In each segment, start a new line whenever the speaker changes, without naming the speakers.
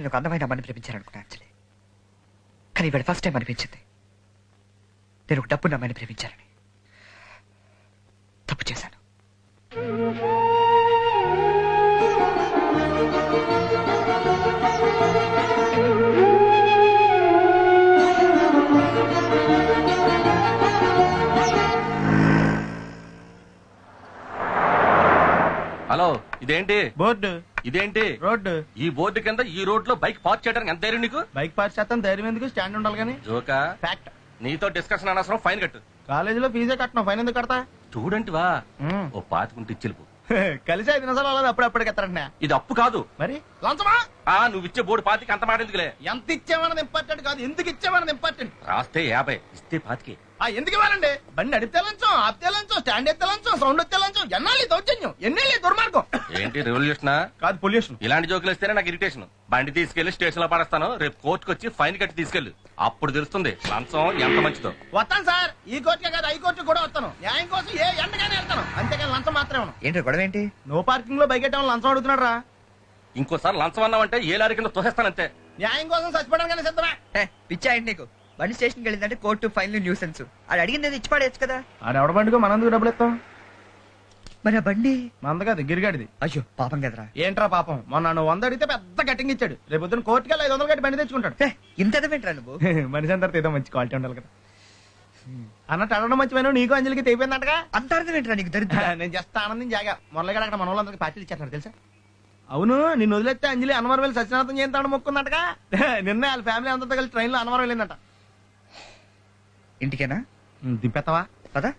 నేను ఒక అందమైన అమ్మని ప్రేమించాలనుకున్నా యాక్చువల్లీ. కానీ ఇవాళ ఫస్ట్ టైం అనిపించింది నేను ఒక డబ్బున్న అమ్మాయిని ప్రేమించాలని. తప్పు చేశాను.
హలో, ఇదేంటి
బోర్డు?
ఇదేంటి
రోడ్డు?
ఈ బోర్డు కింద ఈ రోడ్ లో బైక్ పార్క్ చేయడానికి ఎంత ధైర్యం నీకు?
బైక్ పార్క్ చేస్తాను, ధైర్యం ఎందుకు? స్టాండ్ ఉండాలి కానీ.
జోకా?
ఫ్యాక్ట్.
నీతో డిస్కషన్ అనవసరం, ఫైన్ కట్టు.
కాలేజీలో ఫీజే కట్టను, ఫైన్ ఎందుకు కడతా?
స్టూడెంట్ వా, ఓ పాతికుంటే ఇచ్చిలుపు.
కలిసి 5 నిమిషాలు అలా అప్పుడప్పటికి ఎత్తారంటే.
ఇది అప్పు కాదు
మరి లంచమా?
నువ్వు ఇచ్చే బోర్డు పాతికి అంత మాట ఎందుకులే.
ఎంత ఇచ్చామన్నది ఇంపార్టెంట్ కాదు, ఎందుకు ఇచ్చామన్నది ఇంపార్టెంట్.
రాస్తే 50, ఇస్తే 25.
ఎందుకు ఇవ్వాలండి? బండి నడిపితే లంచం, ఆపితే లంచం, స్టాండ్ ఎత్తే లంచం, సౌండ్ ఎత్తే లంచం. ఎన్నాళ్ళు దౌర్జన్యం, ఎన్నేళ్ళు దుర్మార్గం.
ఏంటి రెవల్యూషనా?
కాదు, పొల్యూషన్.
ఇలాంటి జోకులు వస్తేనే నాకు ఇరిటేషన్. బండి తీసుకెళ్లి స్టేషన్ లో పడేస్తాను, రేపు కోర్టుకు వచ్చి ఫైన్ కట్టి తీసుకెళ్లి. అప్పుడు తెలుస్తుంది లంచం ఎంత మంచిదో.
వస్తాను సార్, ఈ కోర్టుకే కాదు హైకోర్టు కూడా వస్తాను. న్యాయం కోసం ఏ ఎండగానే వెళ్తాను, అంతేకాని లంచం మాత్రమే.
ఏంటి గొడవ ఏంటి?
నో పార్కింగ్ లో బైక్ ఎట్టమని లంచం అడుగుతున్నాడు రా.
ఇంకోసారి లంచం అన్నావంటే ఏ లారీ కింద తోసేస్తానంతే.
న్యాయం కోసం చచ్చిపోవడానికి సిద్ధమే.
పిచ్చాయండి నీకు. బండి స్టేషన్కి వెళ్ళిందంటే కోర్టు, ఫైన్లు, న్యూసెన్స్. అది అడిగింది ఇచ్చి పడేయచ్చు కదా.
ఆడ ఎవడ బండికో మనందుకు డబ్బులు ఇస్తాం.
మరి ఆ బండి
మంద కాదు, గిరిగాడిది.
అయ్యో పాపం కదరా.
ఏంట్రా పాపం? మొన్న నువ్వు 100 అడిగితే పెద్ద కటింగ్ ఇచ్చాడు. రేపు పొద్దున కోర్టుకి 500 కట్టి బండి తెచ్చుకుంటాడు.
ఇంత ఎదవేంట్రా నువ్వు?
మనిషి అందరితో ఏదో మంచి క్వాలిటీ ఉండాలి కదా అన్నట్టు. అడగడం మంచిమైన నీకు అంజలికి తెగిపోయిందంటగా.
అంత అర్థమేంట్రా నీకు? దరిద్ర.
నేను జస్ట్ ఆనందం జాగా మొరలగాడు అక్కడ మన వాళ్ళందరికీ పార్టీలు ఇచ్చేస్తారు తెలుసా. అవును, నిన్ను వదిలేస్తే అంజలి అన్నవరం వెళ్ళి సత్యనారాయణ చేస్తాడు మొక్కుందటగా. నిన్న వాళ్ళ ఫ్యామిలీ అందరితో కలిసి ట్రైన్ లో అన్నవరం వెళ్ళిందట.
ఇంటికేనా?
దింపెత్తవా?
పదా.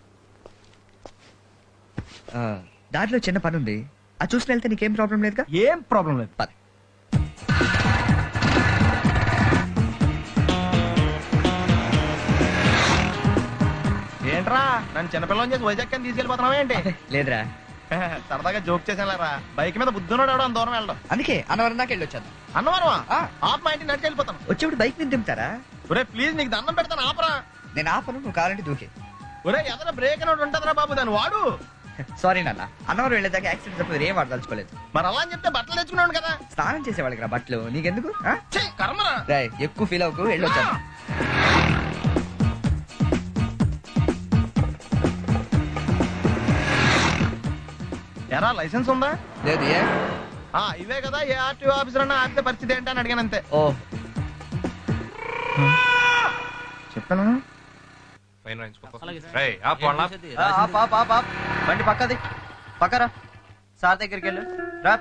దారిలో చిన్న పని ఉంది, అది చూసుకుని వెళ్తే నీకేం ప్రాబ్లం లేదుగా?
ఏం ప్రాబ్లం లేదు.
పద.
ఏంట్రా నన్ను చిన్నపిల్లని చేసి వైజాగ్ అని తీసుకెళ్ళిపోతున్నావా ఏంటి?
లేదురా,
సరదాగా జోక్ చేసానురా. బైక్ మీద బుద్ధున్నాడు ఎవడో దూరం వెళ్ళడం.
అందుకే అన్నవరం దాకా వెళ్ళొచ్చాను.
అన్నవరమా? ఆప్ మా ఇంటికి నడిచి వెళ్ళిపోతాను.
వచ్చేప్పుడు బైక్ మీద దింపుతారా?
ఒరే ప్లీజ్, నీకు దండం పెడతాను ఆపరా.
నేను ఆపను, నువ్వు కావాలంటే దూకే.
ఒరే ఎదర బ్రేక్ అని ఉంటుందిరా బాబు, దాన్ని వాడు.
సారీ నాన్న, అన్నవరం వెళ్ళేదాకా యాక్సిడెంట్ తప్ప ఏం వాడదలుచుకోలేదు.
మరి అలా అని చెప్తే బట్టలు తెచ్చుకున్నాను కదా.
స్నానం చేసేవాళ్ళకి రా బట్టలు, నీకెందుకు?
ఛీ, కర్మరా.
ఎక్కువ ఫీల్ అవ్వకు, వెళ్ళొచ్చాను.
ఎరా లైసెన్స్ ఉందా?
లేదు. ఏ?
ఇవే కదా, ఏ ఆర్టీఓ ఆఫీసర్ అన్నా ఆపితే పరిస్థితి ఏంటని అడిగాను అంతే.
ఓ
చెప్తాను.
బండి పక్కది, పక్కరా. సార్ దగ్గరికి వెళ్ళు రా.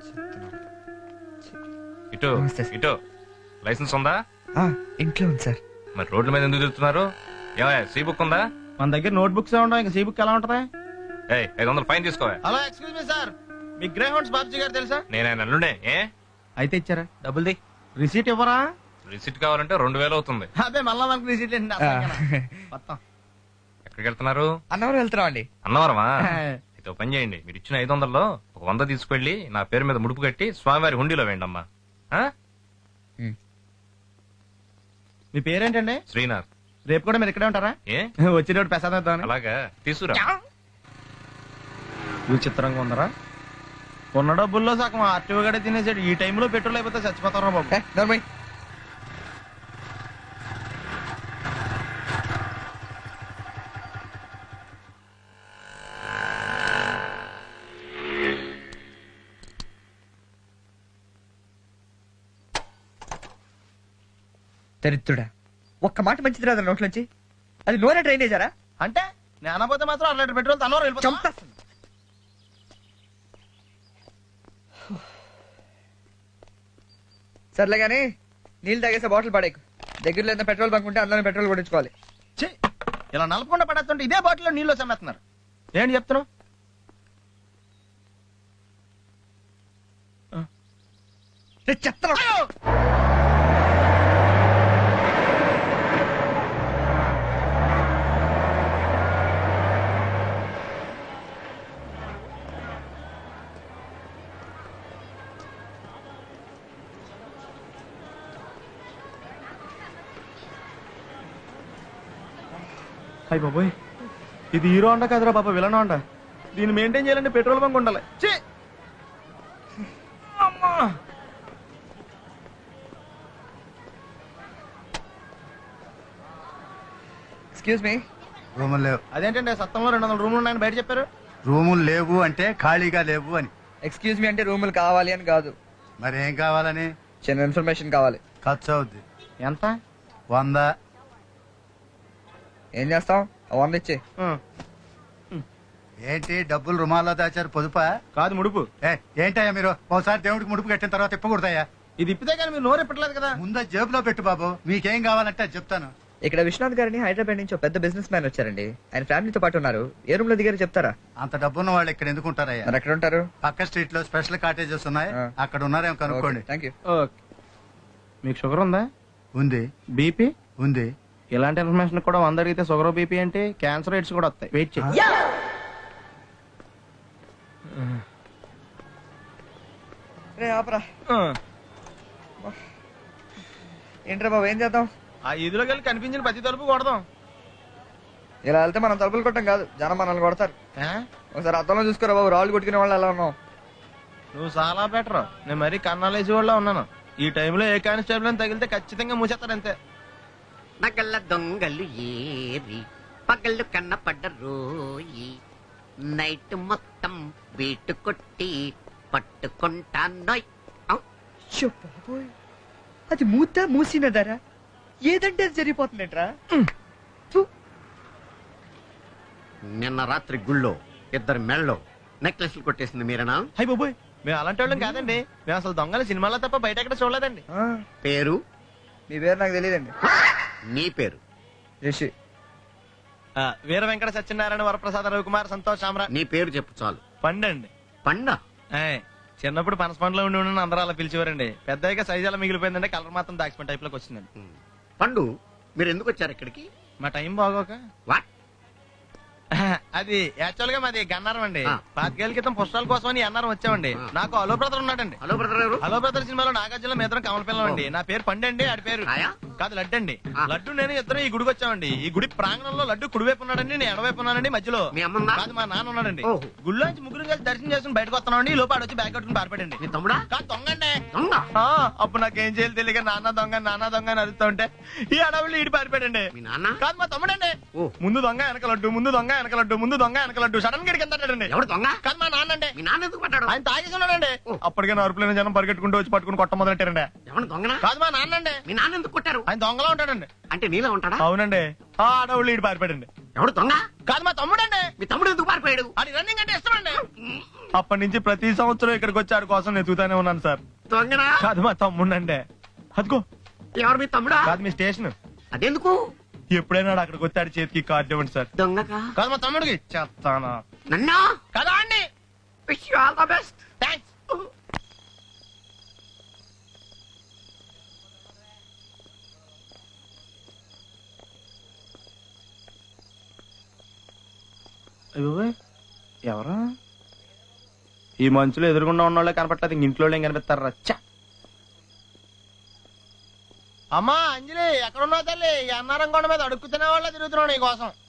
ఇటు ఇటు. లైసెన్స్ ఉందా?
ఇంట్లో ఉంది సార్.
మరి రోడ్ల మీద ఎందుకు తిరుగుతున్నారు? ఏమయ్య, సీ బుక్ ఉందా?
మన దగ్గర నోట్ బుక్స్ ఉండవు, ఇంకా సీ బుక్ ఎలా ఉంటది?
500 ఫైన్ తీసుకోవా.
హలో, ఎక్స్క్యూజ్ మీ సార్, మీ గ్రే హౌండ్స్ బాబ్జీ గారు తెలుసా?
నేను ఆయన అల్లుడే.
అయితే ఇచ్చారా?
డబ్బుల్ది.
రిసీట్ ఇవ్వరా?
రిసిట్ కావాలంటే 2000 అవుతుంది.
అదే మళ్ళా మనకు రిసీట్
ఎక్కడికి వెళ్తున్నారు?
అన్నవరం వెళ్తున్నాం అండి.
అన్నవరమా? అయితే పని చేయండి, మీరు ఇచ్చిన 500లో ఒక 100 తీసుకెళ్లి నా పేరు మీద ముడుపు కట్టి స్వామివారి హుండీలో వేయండి అమ్మా.
మీ పేరేంటండి?
శ్రీనాథ్.
రేపు కూడా మీరు ఇక్కడే ఉంటారా? వచ్చేటప్పుడు ప్రసాదం.
అలాగా, తీసుకురా.
విచిత్రంగా ఉందరా. ఉన్న డబ్బుల్లో సగం ఆర్టీఓ గడే తినేసాడు. ఈ టైంలో పెట్రోల్ అయిపోతే చచ్చిపోతారా బాబు.
దరిద్రుడా, ఒక్క మాట మంచిది రాదు నోట్లోంచి. అది నూనె డ్రైనేజారా?
అంటే నేను అనబోతే మాత్రం 1 లీటర్ పెట్రోల్ తనలో వెళ్ళిపోతా.
సర్లే కానీ నీళ్ళు తాగేసే బాటిల్ పడేకు. దగ్గరలో ఏదైనా పెట్రోల్ బంక్ ఉంటే అందులోనే పెట్రోల్ కొట్టించుకోవాలి.
ఇలా నలపకుండా పడేస్తుంటే ఇదే బాటిల్లో నీళ్ళు చమ్మేస్తున్నారు. ఏంటి చెప్తున్నావు?
చెప్తాను.
అయ్యి బాబోయ్, ఇది హీరో హోండా కాదురా బాబా, విలన్ హోండా. దీన్ని మెయింటైన్ చేయాలంటే పెట్రోల్ బంక్ ఉండాలి.
Excuse me.
రూములు లేవు.
అదేంటండి సత్తంలో 200 రూములు ఉన్నాయని బయట చెప్పారు.
రూములు లేవు అంటే ఖాళీగా లేవు అని.
ఎక్స్క్యూజ్ మీ అంటే రూములు కావాలి అని కాదు,
మరి ఏం కావాలని?
చిన్న ఇన్ఫర్మేషన్ కావాలి.
ఖర్చు అవుద్ది.
ఎంత?
100.
ఏం చేస్తాం? 100 ఇచ్చే.
ఏంటి డబ్బులు రుమాల్లో దాచారు? పొదుపా?
కాదు ముడుపు.
ఏంటయ్యా మీరు ఒకసారి దేవుడికి ముడుపు కట్టిన తర్వాత ఇప్పకూడదయ్యా.
ఇది ఇప్పితే కానీ మీరు నోరు ఇప్పట్లేదు కదా.
ముందు జేబులో పెట్టు బాబు, మీకేం కావాలంటే అది చెప్తాను.
ఇక్కడ విశ్వనాథ్ గారిని హైదరాబాద్ నుంచి ఒక పెద్ద బిజినెస్ మ్యాన్ వచ్చారండి. ఆయన ఫ్యామిలీతో పాటు ఉన్నారు. ఏ రూమ్ లో దిగారు చెప్తారా?
అంత డబ్బున్న వాళ్ళు ఇక్కడ ఎందుకు ఉంటారయ్యా?
మరి ఎక్కడ ఉంటారు?
పక్క స్ట్రీట్ లో స్పెషల్ కాటేజెస్ ఉన్నాయి,
ఆ.
అక్కడ ఉన్నారేమో కనుక్కోండి.
Thank you.
ఓకే. మీకు షుగర్ ఉందా?
ఉంది.
బీపీ?
ఉంది.
ఇలాంటి ఇన్ఫర్మేషన్ కూడా 100 అడిగితే షుగర్ బీపీ అంటే క్యాన్సర్ రేట్స్ కూడా వస్తాయి. వెయిట్ చేయి.
రే ఆపరా. ఏంట్రా బాబు, ఏం చేద్దాం?
ఆ ఇదిలోకి వెళ్ళి కనిపించిన ప్రతి తలుపు కొడదాం.
ఇలా వెళ్తే మనం తలుపులు కొట్టం కాదు, జనం మనల్ని కొడతారు.
ఆ?
ఒకసారి అద్దంలో చూసుకోరా బాబు, రాళ్ళు కొట్టుకునే వాళ్ళు ఎలా ఉన్నాం.
నువ్వు చాలా బెటర్. నేను మరీ కన్నాలేసి వాళ్ళ ఉన్నాను. ఈ టైంలో ఏ కానిస్టేబుల్ అని తగిలితే ఖచ్చితంగా మూసేస్తారు అంతే.
నగల దొంగలు ఏరి పగళ్ళు కన్నపడ్డ రోయి నైట్ మొత్తం బీటు కొట్టి పట్టుకుంటానోయ్.
అయ్యో బాబోయ్, అది మూసినదరా? ఏదంటే అది జరిగిపోతుందేంట్రా?
నిన్న రాత్రి గుళ్ళో 2 మెళ్ళలో నెక్లెస్లు కొట్టేసింది మీరేనా?
హై బాబోయ్, మేము అలాంటి వాళ్ళం కాదండి. మేము అసలు దొంగలు సినిమాలో తప్ప బయట ఎక్కడ చూడలేదండి.
ఆ,
పేరు?
మీ పేరు నాకు తెలియదండి.
నీ పేరు?
రిషి.
వీర వెంకట సత్యనారాయణ వరప్రసాద రవికుమార్ సంతోష్ సామ్రా.
నీ పేరు చెప్పు చాలు.
పండండి.
పండ?
చిన్నప్పుడు పనస పండులో ఉండి అందరూ అలా పిలిచేవారండి. పెద్దగా సైజ్ అలా మిగిలిపోయిందంటే కలర్ మాత్రం దాక్సిపెన్ టైప్ లోకి వచ్చిందండి.
పండు, మీరు ఎందుకు వచ్చారు ఇక్కడికి?
మా టైం బాగోక.
వాట్?
అది యాక్చువల్ గా మాది గన్నారం అండి.
ఆ.
5 ఏళ్ల క్రితం పుష్పాల కోసం అని అన్నారం వచ్చామండి.
ఆ.
నాకు హలో బ్రదర్ ఉన్నాడండి.
హలో బ్రదర్ ఎవరు?
హలో బ్రదర్ సినిమాలో నాగార్జున మేదరం కమల పిల్లం అండి. నా పేరు పండండి, ఆడి పేరు
రాయా?
కాదు లడ్డండి.
ఆ.
లడ్డు నేను ఇద్దరు ఈ గుడికి వచ్చామండి. ఈ గుడి ప్రాంగణంలో లడ్డు కుడివైపు ఉన్నాడండి, నేను ఎడవైపు ఉన్నానండి. మధ్యలో
మీ అమ్మందా?
కాదు మా నాన్న ఉన్నాడండి.
ఓహో.
గుళ్ళోంచి ముగ్గురు కలిసి దర్శనం చేసుకుని బయటకు వస్తున్నామండి. ఈ లోపు ఆడొచ్చి బ్యాగ్ కట్టుకుని పారిపడండి.
మీ తమ్ముడా?
కాదు దొంగండి.
దొంగ?
అప్పుడు నాకేం చేయాలి తెలియక నాన్న దొంగ అని అరుస్తా ఉంటే ఈ అడవులు ఈడి పారిపోయాడండి.
మీ నాన్న?
కాదు మా తమ్ముడండి.
ఓ.
ముందు దొంగ వెనక లడ్డు, ముందు దొంగ వెనక లడ్డు, ముందు దొంగ వెనక లడ్డు. సడన్ గా కిందండి.
ఎవడు దొంగ?
కాదు మా నాన్న అండి.
మీ నాన్న ఎందుకు పడ్డాడు?
ఆయన తాగేసి ఉన్నాడండి.
ఓ.
అప్పటికే నరుపులైన జనం పరిగెట్టుకుంటూ వచ్చి పట్టుకుని కొట్ట మొదలెట్టారండి.
ఎవడు దొంగనా?
కాదు మా నాన్న అండి.
మీ నాన్న ఎందుకు కొట్టారు?
ఆయన దొంగలా ఉంటాడండి.
అంటే నీలా ఉంటాడా?
అవునండి. ఆ అడవులు ఈడి పారిపోయాడండి.
ఎవడు దొంగ?
కాదు మా తమ్ముడండి.
మీ తమ్ముడు ఎందుకు పారిపోయాడు?
అది రన్నింగ్ అంటే ఇష్టమండి. అప్పటి నుంచి ప్రతి సంవత్సరం ఇక్కడికి వచ్చి ఆడి కోసం వెతుకుతానే ఉన్నాను సార్.
దొంగనా?
కాదు మా తమ్ముడండి. అదిగో.
ఎవరు మీ తమ్ముడా?
కాదు మీ స్టేషన్.
అదెందుకు?
ఎప్పుడైనా అక్కడికి వచ్చి ఆడి చేతికి కార్డు ఇవ్వండి సార్.
దొంగగా?
కాదు మా తమ్ముడికి చెప్తానా.
నన్నా?
కదా అండి.
Wish you all the best.
Thanks. ఎవరా ఈ మంచులో ఎదురుగుండా ఉన్న వాళ్ళే కనపట్లేదు, ఇంక ఇంట్లో ఏం కనిపిస్తారు రచ్చ. అమ్మా అంజలి, ఎక్కడున్నావు తల్లి? ఈ అన్నారం కొండ మీద అడుక్కుతున్న వాళ్ళ తిరుగుతున్నావు నీ కోసం.